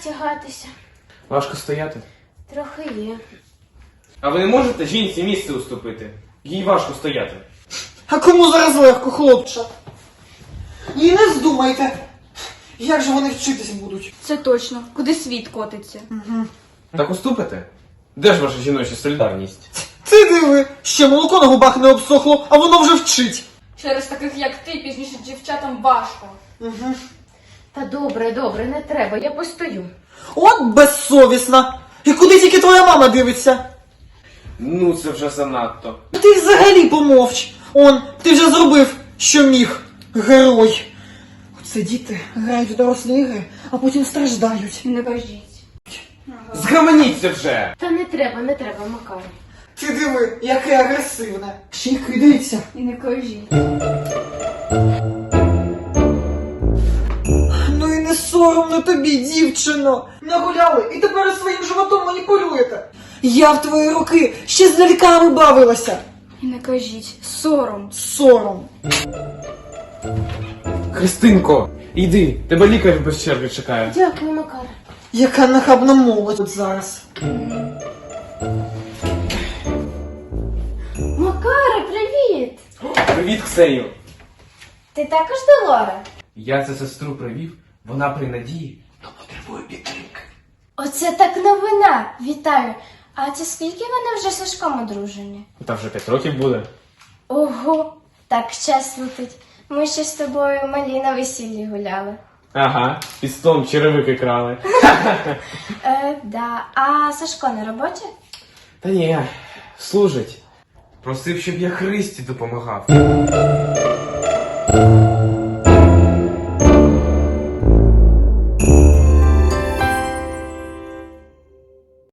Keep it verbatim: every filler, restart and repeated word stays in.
тягатися. Важко стояти. Трохи є. А ви не можете жінці місце уступити? Їй важко стояти. А кому зараз легко, хлопче? І не здумайте, як же вони вчитись будуть. Це точно. Куди світ котиться? Так уступите? Де ж ваша жіноча солідарність? Ти диви, ще молоко на губах не обсохло, а воно вже вчить. Через таких, як ти, пізніше дівчатам важко. Угу. Та добре, добре, не треба, я постою. От безсовісна. І куди тільки твоя мама дивиться? Ну це вже занадто. Ти взагалі помовч. Он, ти вже зробив, що міг. Герой. Оце діти грають в дорослі ігри, а потім страждають. Не кажіть. Згаманіться вже! Та не треба, не треба, Макар. Ти диви, яке агресивне. Ще й кидається. І не кажіть. Ну і не соромно тобі, дівчино. Нагуляли і тепер своїм животом маніпулюєте. Я в твої роки ще з ляльками бавилася. І не кажіть. Сором. Сором. Христинко, йди, тебе лікар без черги чекає. Дякую, Макар. Яка нахабна молодь от зараз. Макаре, привіт! Привіт, Ксенію! Ти також Долора? Я це сестру привів, вона при надії, то потребує підтримки. Оце так новина! Вітаю! А це скільки вони вже з Сашком одружені? Та вже п'ять років буде. Ого, так час летить. Ми ще з тобою малі на весіллі гуляли. Ага, під столом черевики крали. Е, да. А Сашко на роботі? Та ні, служить. Просив, щоб я Христі допомагав.